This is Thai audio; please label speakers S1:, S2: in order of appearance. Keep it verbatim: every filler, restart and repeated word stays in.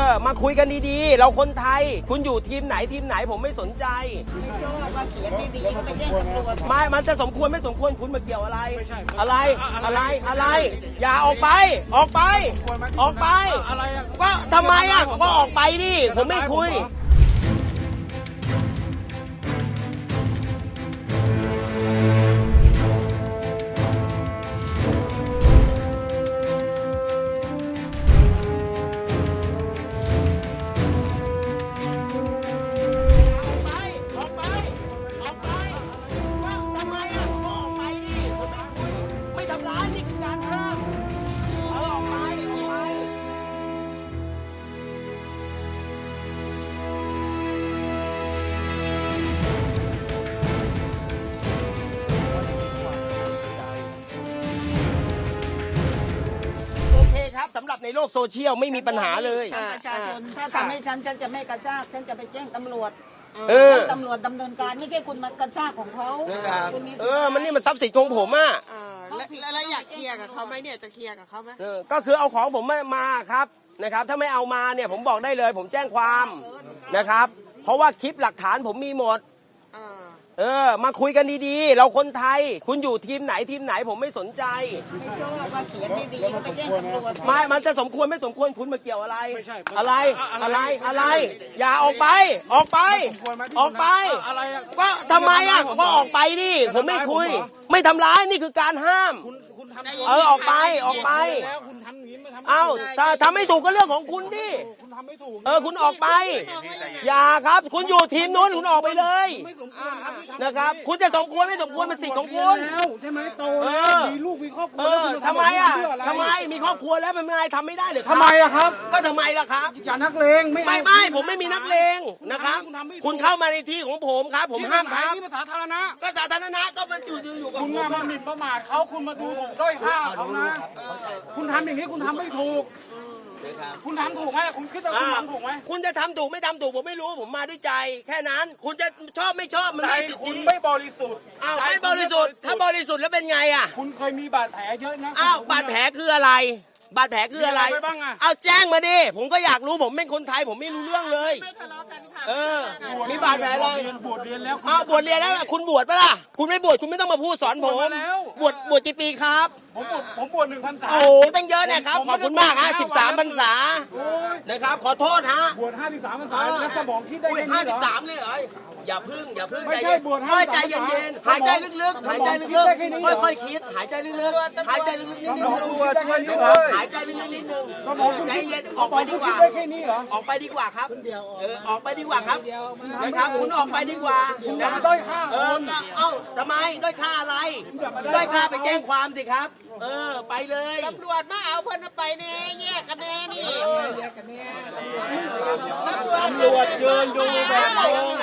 S1: อมาคุยกันดีๆเราคนไทยคุณอยู่ทีมไหนทีมไหนผมไม่สนใจ
S2: ไม่ชอบว่าเขียนดีๆไปแจ้งตำรวจ
S1: ไม่มันจะสมควรไม่สมควรคุณมาเกี่ยวอะไรอะไรอะไรอะไรอย่าออกไปออกไปออกไปก็ทำไมอ่ะก็ออกไปดิผมไม่คุยสำหรับในโลกโซเชียลไม่มีปัญหาเลย
S2: ประชาชนถ้าทำให้ฉันฉันจะไม่กระชากฉันจะไปแจ้งตำรวจ
S1: เออ
S2: ตำรวจดำเนินการไม่ใช่คุณมากระชากของเขา
S1: เออมันนี่มันทรัพย์สินของผมอ่ะ
S3: แล้วอยากเคลียร์กับเขาไหมเนี่ยจะเคลียร์กับเขาไหม
S1: ก็คือเอาของผมมาครับนะครับถ้าไม่เอามาเนี่ยผมบอกได้เลยผมแจ้งความนะครับเพราะว่าคลิปหลักฐานผมมีหมดเออมาคุยกันดีๆเราคนไทยคุณอยู่ทีมไหนทีมไหนผมไม่สนใจ
S2: ไม่ชอบว่าเขียนดีๆไปแจ้งตำรวจ
S1: ไม่มันจะสมควรไม่สมควรคุณมาเกี่ยวอะไรอะไรอะไรอะไรอย่าออกไปออกไปออกไปก็ทำไมอ่ะก็ออกไปดิผมไม่คุยไม่ทำร้ายนี่คือการห้ามเออออกไปออกไปเอ้าถ้าทำไม่ถูกก็เรื่องของคุณดิเออคุณออกไปอย่าครับคุณอยู่ทีมนู้นคุณออกไปเลยนะครับคุณจะสมควรไม่สมควรเป็นสิทธิ์ของคุณ
S4: ใช่ไหมโตแล้วมีลูกมีครอบครัว
S1: ทำไมอ่ะทำไมมีครอบครัวแล้วเป็นไงทำไม่ได้หรือ
S4: ทำไมอะครับ
S1: ก็ทำไมล่ะครับ
S4: อย่านักเลง
S1: ไม่ไม่ผมไม่มีนักเลงนะครับคุณเข้ามาในที่ของผมครับผมห้ามครับ
S4: นี่ภาษาสาธารณะ
S1: ก็สาธารณะก็มันอยู่อยู่กับ
S4: คุณมาหมิ่นประมาทเขาคุณมาดูถูกด้อยค่าเขานะคุณทำอย่างนี้คุณทำไม่ถูกคุณทำถูกไหมคุณคิดว่าคุณทำถูกไหม
S1: คุณจะทำถูกไม่ทำถูกผมไม่รู้ผมมาด้วยใจแค่นั้นคุณจะชอบไม่ชอบมัน
S4: ไม่สิทธิคุณไม่บริสุทธิ์
S1: อ้าวไม่บริสุทธิ์ถ้าบริสุทธิ์แล้วเป็นไงอ่ะ
S4: คุณเคยมีบาดแผลเยอะนะ
S1: อ้าวบาดแผลคืออะไรบาดแผลคืออะไรเอาแจ้งมาดิผมก็อยากรู้ผมเป็นคนไทยผมไม่รู้เรื่องเลย
S3: ไม่ทะเลาะกันค่ะ
S1: เออมีบาดแผลอะไร
S4: บวชเรียนแล้ว
S1: อ้าวบวชเรียนแล้วคุณบวชปะล่ะคุณไม่บวชคุณไม่ต้องมาพูดสอนผมบวชบวชกี่ปีครับ
S4: ผมบวชผมบวชหนึ่งพรรษา
S1: โอ้ตั้งเยอะนะครับขอบคุณมากฮะสิบสามพรรษานะครับขอโทษฮะ
S4: บวชห้าสิบสามพรรษาแล้วสมองคิดได้
S1: ห้าสิบสามเลยเหรออย่าพึ่งอย่าพึ่ง
S4: ไม่ใช่บวชห้า
S1: ใจเย็นๆหายใจลึกๆหายใจลึกๆค่อยๆคิดหายใจลึกๆหายใจลึกๆนิดนึงหายใจลึกๆนิดนึงใจเย็นออกไปดีกว่าออกไปดีกว่าครับเออออกไปดีกว่าครับนะครับคุณออกไปดีกว่านะ
S4: ด้อยค่า
S1: เออเอ้าทำไมด้อยค่าอะไรด้อยค่าไปแจ้งความสิครับเออไปเลย
S3: ตำรวจมาเอาเพิ่นไปแน่แยกกันแน่นี่
S1: ตำรวจยืนดูแบบงง